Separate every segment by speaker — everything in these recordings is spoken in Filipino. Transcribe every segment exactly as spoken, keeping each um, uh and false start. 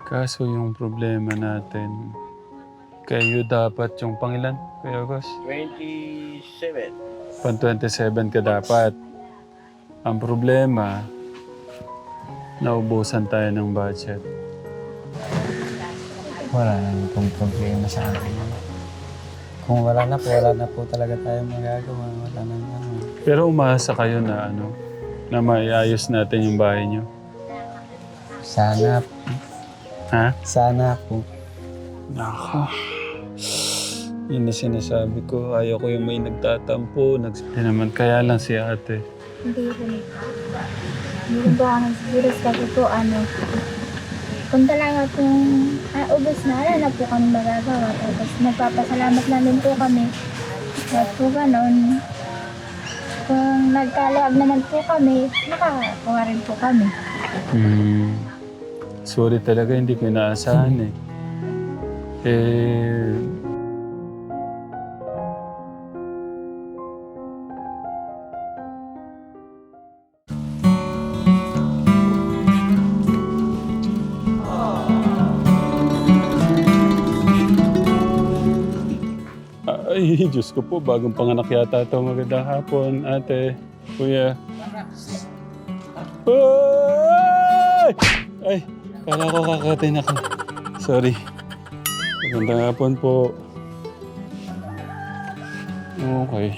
Speaker 1: Kaso yung problema natin, kayo dapat yung pangilan, Kuya August?
Speaker 2: twenty-seven.
Speaker 1: Pan twenty-seven ka dapat. Ang problema, naubusan tayo ng budget.
Speaker 3: Wala naman pong problema sa akin. Kung wala na po, wala na po talaga tayo magagawa. Wala na ano.
Speaker 1: Pero umaasa kayo na ano, na maiayos natin yung bahay nyo.
Speaker 3: Sana,
Speaker 1: Ha?
Speaker 3: sana po.
Speaker 1: Nako. Yun na sinasabi ko. Ayaw ko yung may nagtatampo. Nags- Hindi naman kaya lang si ate.
Speaker 4: Hindi ko na. Hindi ko ako nagsigilas kasi po ano. Kung talaga pong ah, ubos na, wala na po kami magagawa. Tapos nagpapasalamat na din po kami. At po ganon. Kung nagkaloob naman po kami, nakakakuha rin po kami.
Speaker 1: Hmm. Sorry talaga, hindi ko inaasahan eh. Eh... Ay, Diyos ko po, bagong panganak yata ito. Magandang hapon, ate, kuya. Ay! Ay, kala ko kakatin ako. Sorry. Magandang hapon po. Okay.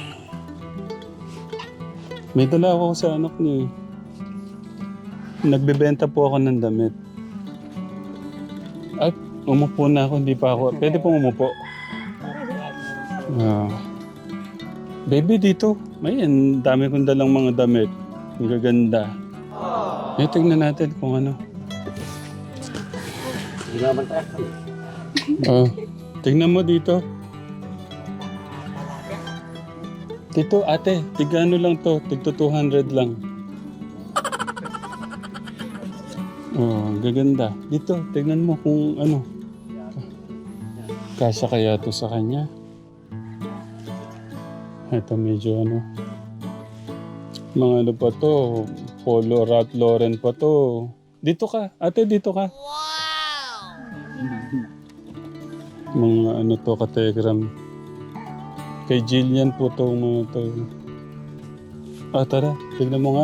Speaker 1: May dala ako sa anak niyo. Nagbebenta po ako ng damit. Ay, umupo na ako. Hindi pa ako. Pwede pong umupo. Ah. Baby, dito. May ang dami kong dalang mga damit. Ang gaganda. Eh, tignan natin kung ano. Ah, tignan mo dito. Dito, ate, tigano lang to. Tigto two hundred lang. Oh, ang gaganda. Dito, tignan mo kung ano. Kasya kaya to sa kanya. Ito medyo ano. Mga ano pa to. Polo Ralph Lauren pa to. Dito ka. Ate, dito ka. Mga ano to, kategram. Kay Jillian po to mga to. Ah, tara. Tignan mo nga.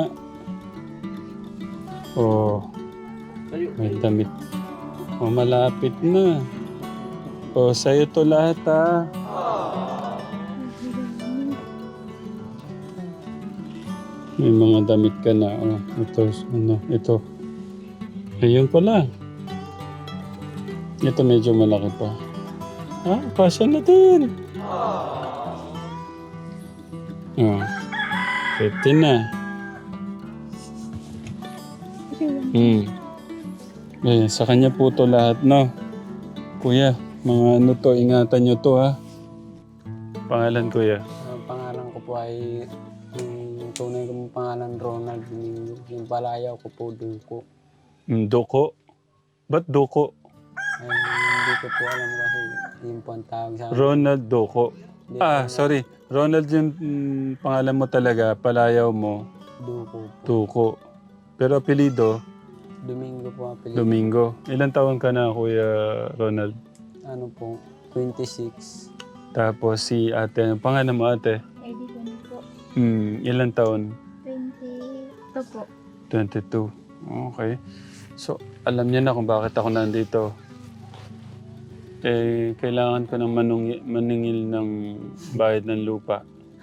Speaker 1: Oh. May damit. Oh, malapit na. Oh, sa'yo to lahat ah. May mga damit ka na. Oh, ito, ano, ito. Ayun pala. Ito medyo malaki pa. Ah, pasya na din. Oh, fifty na. Hmm. Eh, sa kanya po to lahat, no? Kuya, mga ano to, ingatan nyo to, ha? Pangalan, kuya?
Speaker 3: Ang pangalan ko po ay, yung tunay kong pangalan Ronald Domingo. Yung palayaw ko po, Duko.
Speaker 1: Mm, Doko. Ba't Doko?
Speaker 3: Ay, hindi ko po alam kasi yun po ang tawag sa akin.
Speaker 1: Ronald Doko.
Speaker 3: Hindi
Speaker 1: Ah,
Speaker 3: po,
Speaker 1: sorry. Ronald yung mm, pangalan mo talaga, palayaw mo,
Speaker 3: Duko po.
Speaker 1: Duko. Pero apelido,
Speaker 3: Domingo po ang apelido.
Speaker 1: Domingo. Ilan taon ka na, Kuya Ronald?
Speaker 3: Ano po, twenty-six.
Speaker 1: Tapos si ate, ang pangalan mo ate?
Speaker 4: Eh, di ko na po.
Speaker 1: Hmm, ilan taon?
Speaker 4: twenty-two po.
Speaker 1: twenty-two. Okay. So, alam niya na kung bakit ako nandito. Eh, kailangan ko ng manung- maningil ng bayad ng lupa.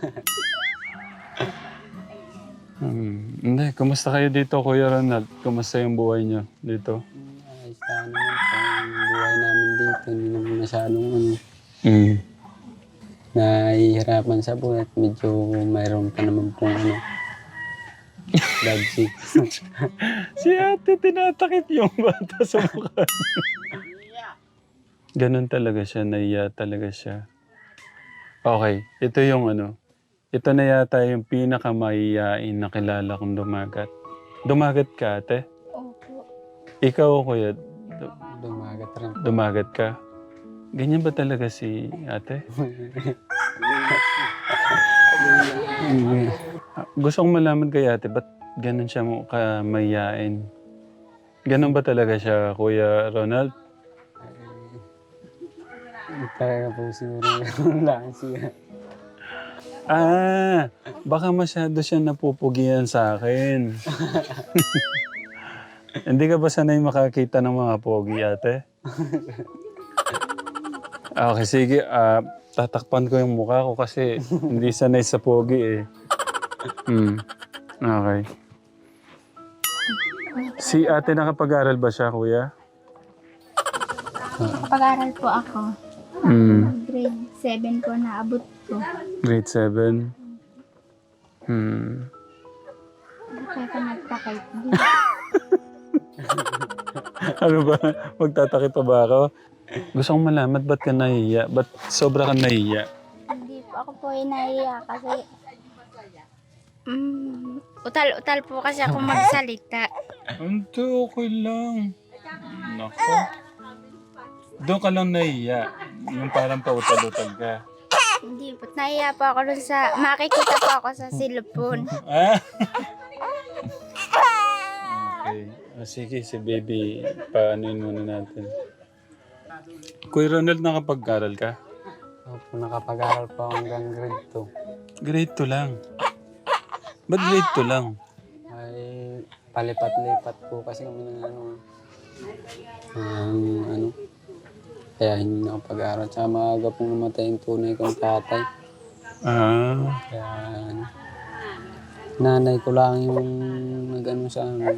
Speaker 1: Hmm. Hindi, kumusta kayo dito, Kuya Ronald? Kumusta yung buhay niyo dito?
Speaker 3: Ayos lang naman po ang buhay namin dito. Hindi naman masyadong ano,
Speaker 1: Hmm.
Speaker 3: nahihirapan sa buhay at medyo mayroon pa naman pong ano, budget.
Speaker 1: Si ate, tinatakip yung bata sa mukha. Ganon talaga siya, naiya talaga siya. Okay, ito yung ano. Ito na yata yung pinakamahiyain na kilala kong dumagat. Dumagat ka, ate?
Speaker 4: Opo.
Speaker 1: Ikaw, kuya, du-
Speaker 3: Dumagat rin po.
Speaker 1: dumagat ka? Ganyan ba talaga si ate? Ah, gusto kong malaman kay ate, ba't ganun siya mo kamahiyain? Ganun ba talaga siya, Kuya Ronald?
Speaker 3: Ay, talaga po siguro yung lang siya.
Speaker 1: Ah, baka masyado siya napupugian sa akin. Hindi ka ba sanay makakita ng mga pogi, ate? Okay, sige. ah, tatakpan ko yung mukha ko kasi hindi sanay sa pogi eh. Hmm. Okay. Si ate nakapag-aral ba siya, kuya?
Speaker 4: Pag-aral po ako.
Speaker 1: Hmm.
Speaker 4: Grade seven po naabot ko.
Speaker 1: Grade seven. Hmm.
Speaker 4: Kaya ka nagtakay.
Speaker 1: Ano ba? Magtatakip pa ba ako? Gusto kong malaman, ba't ka nahiya? Ba't sobra ka nahiya?
Speaker 4: Hindi po ako po ay nahiya kasi mm, utal-utal po kasi ako magsalita.
Speaker 1: Hindi, okay lang. Nako. Doon ka lang nahiya. Yung parang pautal-utal ka.
Speaker 4: Hindi po, nahiya po ako dun sa, makikita po ako sa cellphone.
Speaker 1: Ah? Okay. O sige, si baby, paanoin muna natin. Kuya Ronald, nakapag-aral ka?
Speaker 3: Opo, nakapag-aral po ako hanggang grade two.
Speaker 1: Grade two lang. Ba't grade two lang?
Speaker 3: Ay, palipat-lipat po kasi kami ng ano, ang ano, kaya hindi na ako pag-aaral. Tsaka maaga pong namatay yung tunay kong tatay.
Speaker 1: Ah.
Speaker 3: Kaya ano, nanay ko lang yung nag-ano sa amin.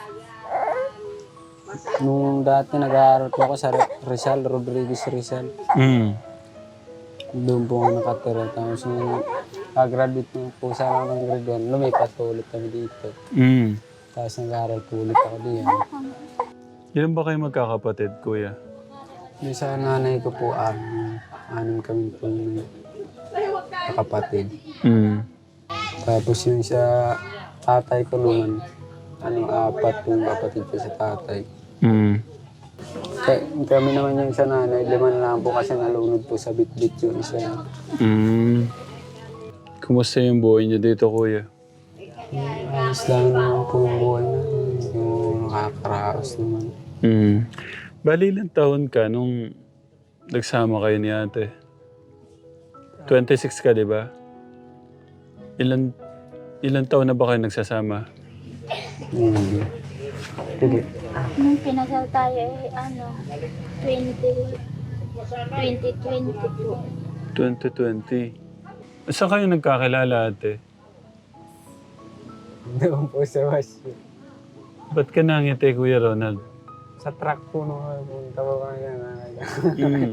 Speaker 3: Nung dati nag-aaral po ako sa Rizal, Rodriguez Rizal.
Speaker 1: Mm.
Speaker 3: Doon po ako nakatira. Tapos nung pag-graduate na po sa ako ng grade one, lumipat po ulit kami dito.
Speaker 1: Mm.
Speaker 3: Tapos nag-aaral po ulit ako diyan.
Speaker 1: Ilan ba kayo magkakapatid, kuya?
Speaker 3: Yung sa nanay ko po, anim. Anim kami po yung kapatid.
Speaker 1: Mm.
Speaker 3: Tapos yung sa tatay ko naman, ano, apat yung kapatid ko sa tatay.
Speaker 1: Mm.
Speaker 3: Kaya, kami naman yung sa nanay, lima na lang po kasi nalunod po sa bit-bit yung isa.
Speaker 1: Mm. Kumusta yung buhay niyo dito, kuya?
Speaker 3: Ayos lang naman po yung buhay na yung nakakaraos naman.
Speaker 1: Mm. Bali, ilang taon ka nung nagsama kayo ni ate? twenty-six ka, di ba? Ilan, ilan taon na ba kayo nagsasama?
Speaker 3: Hindi. Hindi.
Speaker 4: Nung pinasal tayo eh, ano, twenty, twenty twenty po.
Speaker 1: twenty twenty. Saan kayo nagkakilala, ate?
Speaker 3: Doon po sa wasyo.
Speaker 1: Ba't ka nangiti, Kuya Ronald?
Speaker 3: Sa truck po nung punta po kami na
Speaker 1: Mm.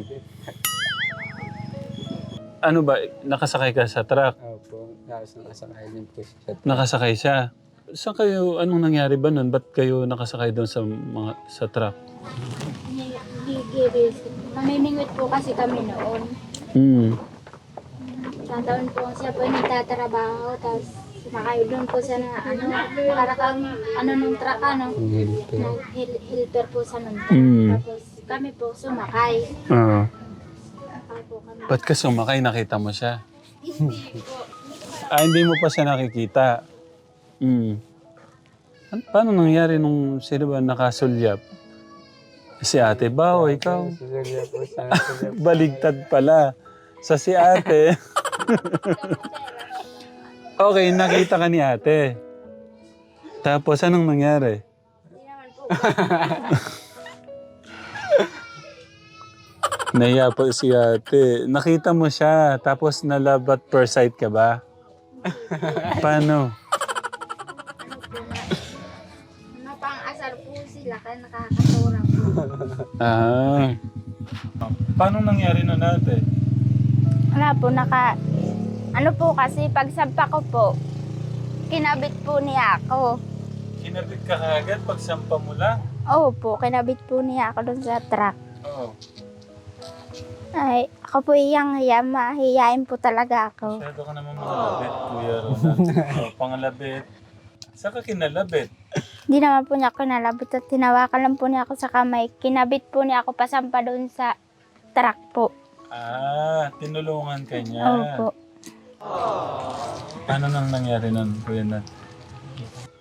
Speaker 1: Ano ba, nakasakay ka sa truck?
Speaker 3: Opo, tapos nakasakay din po siya.
Speaker 1: Nakasakay siya. Saan kayo, anong nangyari ba nun? Ba't kayo nakasakay doon sa mga sa truck?
Speaker 4: Gigiris. Mamimingwit po kasi kami noon.
Speaker 1: Mm.
Speaker 4: Tataon po siya po nagtatrabaho, tapos sumakay doon po siya na ano, para kang ano nung truck ano,
Speaker 3: Hindi po.
Speaker 4: na hel- helper po sa nung truck.
Speaker 1: Mm.
Speaker 4: Tapos kami po sumakay.
Speaker 1: Ah.
Speaker 4: Sumakay po kami.
Speaker 1: Ba't ka sumakay? Nakita mo siya?
Speaker 4: Hindi po.
Speaker 1: Ah, hindi mo pa siya nakikita. Mm. Ano, paano nangyari nung sino ba nakasulyap? Si ate ba o ikaw?
Speaker 3: Susulya po sa
Speaker 1: Baligtad pala. Sa si ate. Okay, nakita ka ni ate. Tapos anong nangyari?
Speaker 4: Hindi naman po.
Speaker 1: Nahiya po si ate. Nakita mo siya, tapos na-love at first sight ka ba? Paano?
Speaker 4: Napang-asar po sila kaya nakakaturang po.
Speaker 1: Ah. Paano nangyari nun ate?
Speaker 4: Wala po, naka... Ano po kasi, pagsampa ko po, kinabit po niya ako.
Speaker 1: Kinabit ka kagad pag sampa mo lang?
Speaker 4: Oo po, kinabit po niya ako doon sa truck.
Speaker 1: Oo.
Speaker 4: Ay, ako po iyang hiya, mahihiyain po talaga ako.
Speaker 1: Masyado ka naman mangalabit, Kuya Ronald. Oh, pangalabit. Saan ka kinalabit?
Speaker 4: Hindi naman po niya ako nalabot at tinawakan lang po niya ako sa kamay. Kinabit po niya ako pasampa doon sa truck po.
Speaker 1: Ah, tinulungan ka niya.
Speaker 4: Oo po.
Speaker 1: Ano nang nangyari nun, Kuya Nat?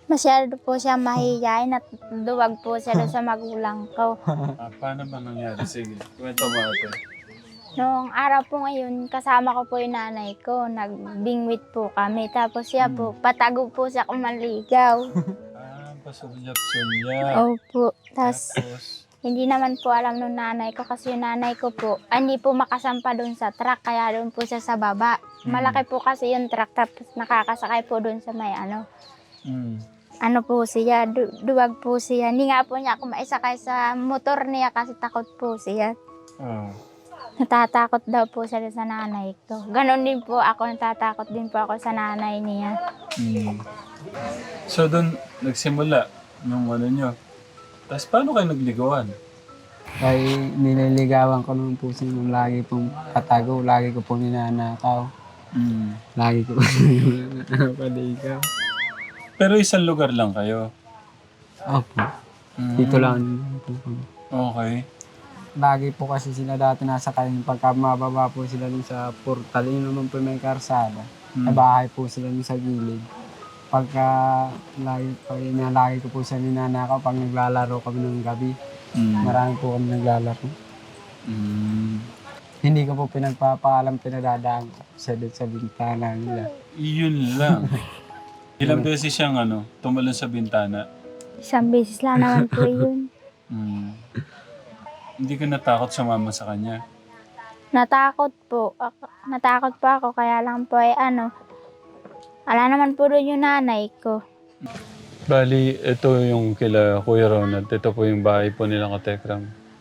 Speaker 4: Masyado po siya mahihayin at duwag po siya doon sa magulang ko.
Speaker 1: Ah, paano ba nangyari? Sige, kwento mo ate.
Speaker 4: Noong araw po ngayon, kasama ko po yung nanay ko. Nagbingwit po kami. Tapos siya po, patago po siya kung manligaw.
Speaker 1: Ah, pasulyap-sulyap.
Speaker 4: Opo. Tapos
Speaker 1: Tapos,
Speaker 4: hindi naman po alam nung nanay ko kasi yung nanay ko po, ah, hindi po makasampa doon sa truck. Kaya doon po siya sa baba. Malaki po kasi yung truck. Tapos nakakasakay po doon sa may ano.
Speaker 1: mm,
Speaker 4: Ano po siya, du- duwag po siya. Hindi nga po niya ako maisakay sa motor niya kasi takot po siya.
Speaker 1: oh.
Speaker 4: Natatakot daw po siya sa nanay ko. Ganon din po ako, natatakot din po ako sa nanay niya.
Speaker 1: Mm. So doon nagsimula nung ano nyo. Tapos paano kayo nagligawan?
Speaker 3: Ay nililigawan ko naman po siya nung lagi pong patago, lagi ko pong ninanakaw.
Speaker 1: Mm.
Speaker 3: Lagi ko pong ninanakaw.
Speaker 1: Pero isang lugar lang kayo.
Speaker 3: Opo.
Speaker 1: Mm.
Speaker 3: Dito lang po kami.
Speaker 1: Okay.
Speaker 3: Lagi po kasi sila dati nasa kain. Pagka mababa po sila dun sa portal, yun naman po may karsada.
Speaker 1: Mm.
Speaker 3: Sa bahay po sila dun sa gilid. Pagka lagi, pag inalagi ko po siya ninanakaw, pag naglalaro kami ng gabi,
Speaker 1: Mm.
Speaker 3: marami po kami naglalaro.
Speaker 1: Mm.
Speaker 3: Hindi ko po pinagpapaalam, pinadadaan ko siya dun sa bintana nila.
Speaker 1: Yun lang. Ilang beses siyang ano, tumalon sa bintana.
Speaker 4: Isang beses lang naman po yun.
Speaker 1: Mm. Hindi ka natakot sumama sa kanya.
Speaker 4: Natakot po. Ako- Natakot po ako, kaya lang po ay ano, wala naman po doon yung nanay ko.
Speaker 1: Bali, ito yung kila Kuya Ronald. Ito po yung bahay po nilang katekram.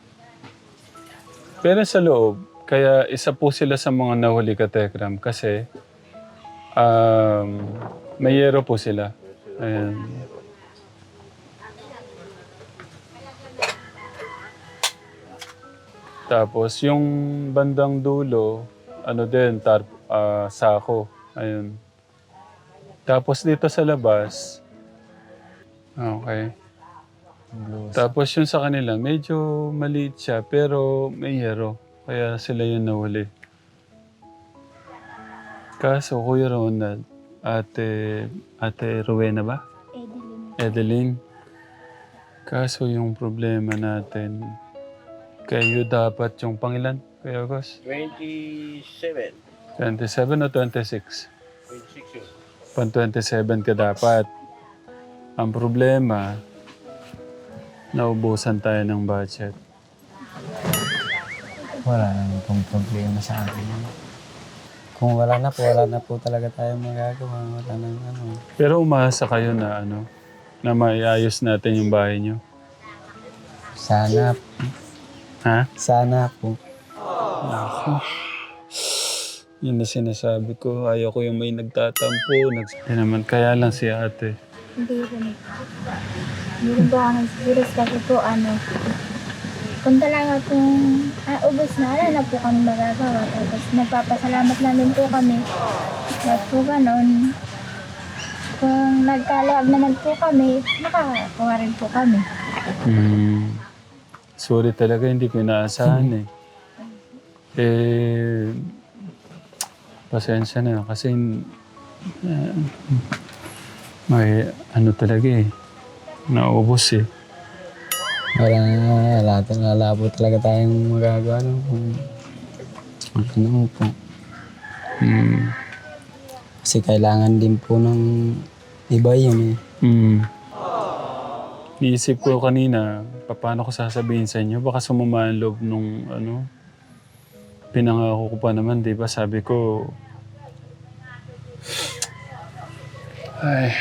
Speaker 1: Pero sa loob, kaya isa po sila sa mga nahuli katekram kasi um, may yero po sila. Ayan. Tapos yung bandang dulo, ano din, tar, ah, sako. Ayun. Tapos dito sa labas, okay. Tapos yung sa kanila, medyo maliit siya, pero may yero. Kaya sila yung nahuli. Kaso, Kuya Ronald, ate, ate Rowena ba?
Speaker 4: Edeline.
Speaker 1: Edeline. Kaso yung problema natin, kayo dapat yung pangilan, Kuya Gus?
Speaker 2: twenty-seven.
Speaker 1: twenty-seven o twenty-six?
Speaker 2: twenty-six yun.
Speaker 1: Pan twenty-seven ka dapat. Ang problema, naubusan tayo ng budget.
Speaker 3: Wala naman pong problema sa akin. Kung wala na po, wala na po talaga tayong magagawa. Wala nang ano.
Speaker 1: Pero umasa kayo na ano, na maiayos natin yung bahay nyo.
Speaker 3: Sana,
Speaker 1: Ha?
Speaker 3: sana po.
Speaker 1: Ako. Yun na sinasabi ko. Ayaw ko yung may nagtatampo. Nags Hindi naman kaya lang si ate.
Speaker 4: Hindi rin. Hindi rin po ako nagsigilis kasi po ano, kung talaga kung ah, ubos na, wala na po kami magagawa. Tapos nagpapasalamat na din po kami. At po ganon, kung nagkalayag naman po kami, makakakuha rin po kami.
Speaker 1: Hmm. Sorry talaga, hindi ko inaasahan eh. Eh, pasensya na kasi eh, may ano talaga eh. Naubos eh.
Speaker 3: Wala na, wala, wala po talaga tayong magagawa. No? Kung ano po.
Speaker 1: Hmm.
Speaker 3: Kasi kailangan din po ng iba yun eh.
Speaker 1: Hmm. Iisip ko kanina, paano ko sasabihin sa inyo? Baka sumama ang loob nung ano, pinangako ko pa naman, di ba? Sabi ko, ay,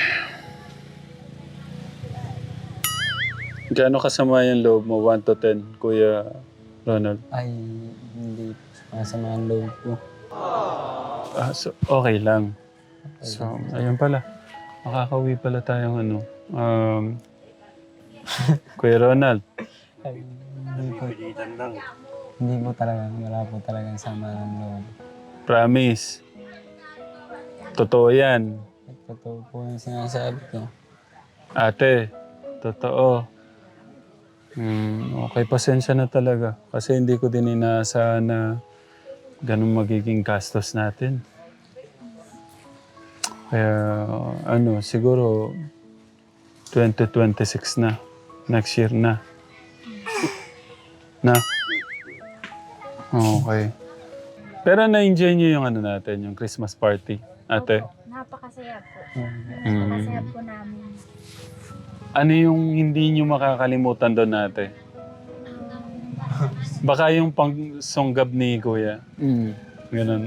Speaker 1: gaano kasama yung loob mo? one to ten, Kuya Ronald?
Speaker 3: Ay, hindi masama ang loob po.
Speaker 1: Ah, so, okay lang. So, ayun pala. Makakauwi pala tayong ano. Um, Kuya Ronald.
Speaker 3: Ay, hindi po,
Speaker 2: Pilitan lang.
Speaker 3: hindi po talaga, wala po talagang sama ng loob.
Speaker 1: Promise. Totoo yan.
Speaker 3: Totoo po yung sinasabi ko.
Speaker 1: Ate, totoo. Hmm, okay, pasensya na talaga. Kasi hindi ko din inaasahan na ganun magiging gastos natin. Kaya, ano, siguro, twenty twenty-six na. Next year na. Na? Okay. Pero na-enjoy niyo yung ano natin, yung Christmas party, ate?
Speaker 4: Opo, napakasaya po.
Speaker 1: Mm.
Speaker 4: Napakasaya po namin.
Speaker 1: Ano yung hindi niyo makakalimutan doon, ate? Baka yung pang-songgab ni Kuya.
Speaker 3: Mm.
Speaker 1: Ganun.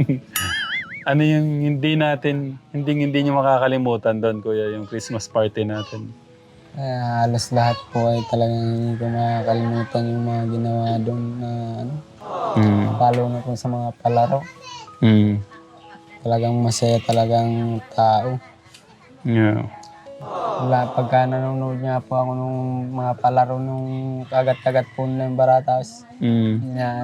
Speaker 1: Ano yung hindi natin, hindi hindi niyo makakalimutan doon, Kuya, yung Christmas party natin?
Speaker 3: Kaya halos lahat po ay talagang hindi ko makakalimutan yung mga ginawa doon na ano,
Speaker 1: Mm.
Speaker 3: lalo na po sa mga palaro.
Speaker 1: Mm.
Speaker 3: Talagang masaya talagang tao.
Speaker 1: Yeah.
Speaker 3: Wala, pagka nanonood niya po ako nung mga palaro nung kagat-kagat po nila yung baratas.
Speaker 1: Mm.
Speaker 3: Yan.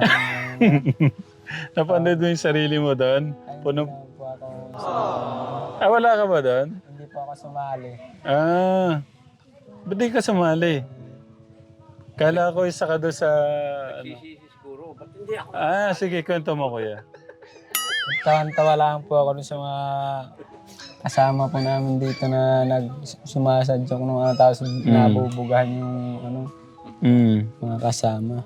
Speaker 1: Napanood mo yung sarili mo doon? Puno...
Speaker 3: po ako sa,
Speaker 1: Ah, wala ka ba doon?
Speaker 3: hindi po ako sumali.
Speaker 1: Ah, ba't di ka sumali? Kala ko isa ka doon sa... Ano?
Speaker 2: Siguro, ba't hindi ako?
Speaker 1: Ah, sige, kwento mo, Kuya.
Speaker 3: Tawan-tawa lang po ako dun sa mga kasama po namin dito na nagsumasadyok nung ano, tapos nabubugahan yung ano,
Speaker 1: Mm.
Speaker 3: mga kasama.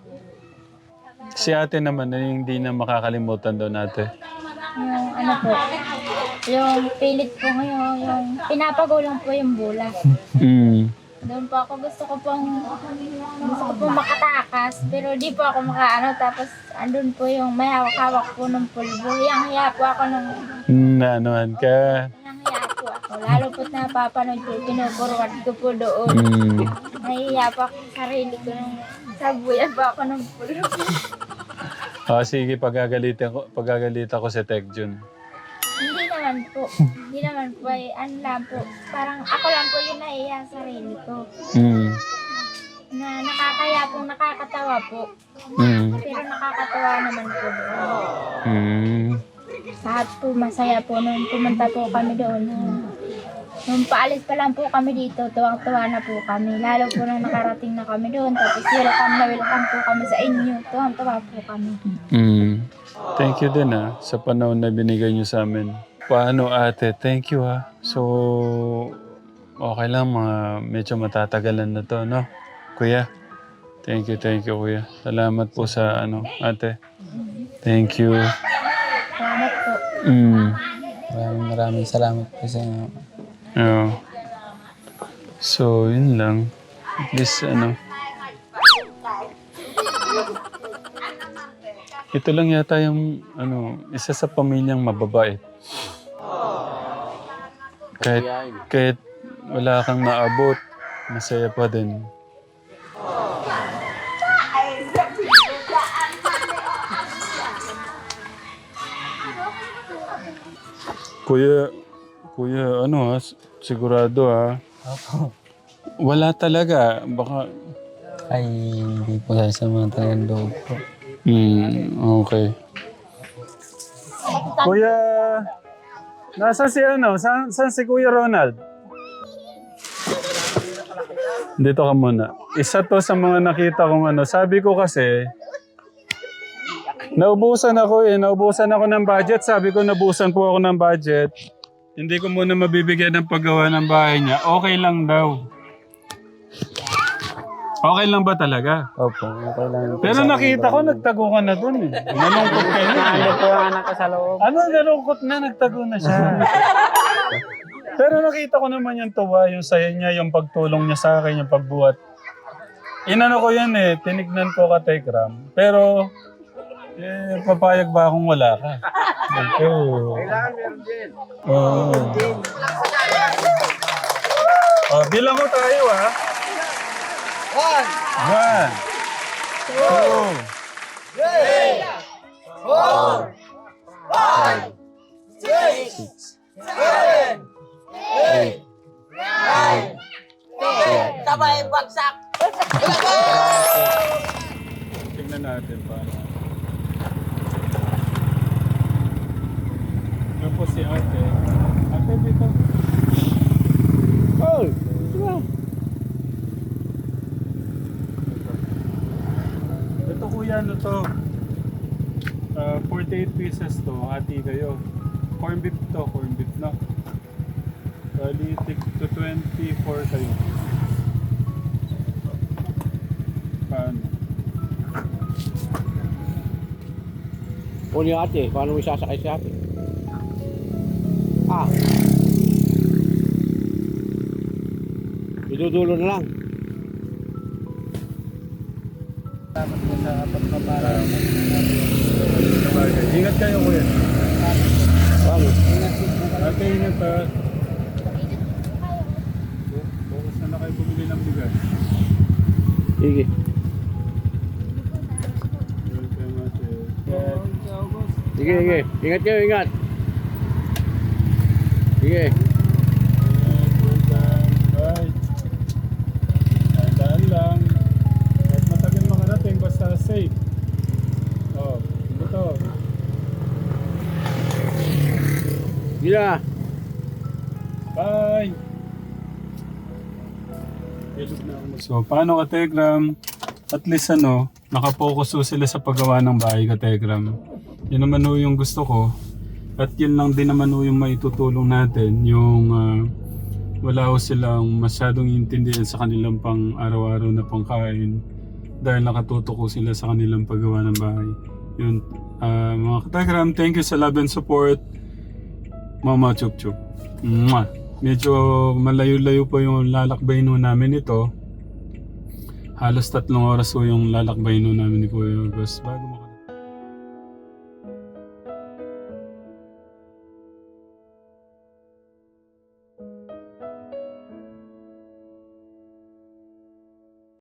Speaker 1: Si ate naman, ano yung hindi na makakalimutan doon, ate?
Speaker 4: Yung ano po, yung pilit po ngayon, yung pinapagulang po yung bola.
Speaker 1: Mm.
Speaker 4: Doon po ako gusto ko pong gusto ko pong makatakas pero di po ako makaano tapos andun po yung may hawak-hawak po ng pulbo. Yang hiya po ako nung
Speaker 1: Naanuhan ka.
Speaker 4: yang hiya po ako. Lalo po't napapanood ko, pinukurwad ko po doon.
Speaker 1: Mm.
Speaker 4: Nahihiya po ako sa sarili ko nung sabuyan po ako ng pulbo.
Speaker 1: Ah, sige, pagagalitan ko, pagagalitan ko si Tekjun.
Speaker 4: Hindi naman po. Hindi naman po. Ay, ano lang po. Parang ako lang po yung nahihiya sa sarili ko.
Speaker 1: Mm.
Speaker 4: Na nakakaya po, nakakatawa po.
Speaker 1: Mm.
Speaker 4: Pero nakakatawa naman po doon.
Speaker 1: Mm.
Speaker 4: Lahat po masaya po nung pumunta po kami doon. Nung, nung paalis pa lang po kami dito, tuwang-tuwa na po kami. Lalo po nung nakarating na kami doon. Tapos welcome na welcome po kami sa inyo. Tuwang-tuwa po kami.
Speaker 1: Mm. Thank you din ah, sa panahon na binigay niyo sa amin. Paano ate? Thank you ah. So, okay lang mga medyo matatagalan na to, no? Kuya, thank you, thank you kuya. Salamat po sa ano, ate. Thank you.
Speaker 4: Salamat po.
Speaker 1: Mm.
Speaker 3: Maraming maraming salamat po sa inyo.
Speaker 1: Oo. So, yun lang. At least, ano. Ito lang yata yung, ano, isa sa pamilyang mababait. Kahit, kahit wala kang naabot, masaya pa din. Kuya, kuya, ano ha, sigurado ha.
Speaker 3: Opo.
Speaker 1: Wala talaga, baka...
Speaker 3: Ay, hindi po sasama talagang loob po.
Speaker 1: Hmm, okay. Kuya, nasa si ano? Saan, saan si Kuya Ronald? Dito ka muna. Isa to sa mga nakita kong ano. Sabi ko kasi, naubusan ako eh. Naubusan ako ng budget. Sabi ko, naubusan po ako ng budget. Hindi ko muna mabibigyan ng paggawa ng bahay niya. Okay lang daw. Okay lang ba talaga?
Speaker 3: Opo, okay lang.
Speaker 1: Pero nakita ko, nagtago ka na dun eh. Nalungkot ka na.
Speaker 3: Ano po ang anak ko sa loob?
Speaker 1: Ano, nalungkot na, nagtago na siya. Pero nakita ko naman yung tuwa, yung saya niya, yung pagtulong niya sa akin, yung pagbuhat. Inano ko yan eh, tinignan ko ka Tekram. Pero, eh, papayag ba akong wala ka? Okay.
Speaker 2: Kailangan meron din.
Speaker 1: Oo. Oh, bilang ko tayo ah.
Speaker 2: One,
Speaker 1: One, two,
Speaker 2: three, four, five, six, seven, eight, nine, ten. Sabay bagsak!
Speaker 1: tingnan natin pa. Yan po si ate. Ate, dito. Oh! Diba? Ito kuya, ano to? Uh, forty-eight pieces to. Hati kayo. Corn beef to. Corn beef na. Bali, tig to twenty-four kayo. Paano?
Speaker 2: O ni ate, paano mo isasakay si ate? Ah. Idudulo na lang.
Speaker 3: Salamat po sa pagpapara.
Speaker 1: Sabagay. Ingat kayo, kuya.
Speaker 2: Paano?
Speaker 3: Ingat po po kayo.
Speaker 1: Ate, ingat ha. Bukas na na kayo bumili ng bigas.
Speaker 2: Sige.
Speaker 1: Welcome, ate.
Speaker 2: Sige, sige. Ingat kayo, ingat. Sige.
Speaker 1: Welcome. Bye. Tandaan lang. Kahit matagal makarating, basta safe. Oh, ito to.
Speaker 2: Sige na.
Speaker 1: Bye! So, paano ka, Tegram? At least ano, nakapokus ho sila sa paggawa ng bahay ka, Tegram. Yun naman ho yung gusto ko. At yun lang din naman ho yung maitutulong natin. Yung ah, wala ho silang masyadong intindihan sa kanilang pang araw-araw na pangkain. Dahil nakatutok ho sila sa kanilang paggawa ng bahay. Yun, ah, mga ka-Tegram, thank you sa love and support. Mama Chup Chup. Mwah. Medyo malayo-layo po yung lalakbayin ho namin ito. Halos tatlong oras po yung lalakbayin ho namin ni Kuya August bago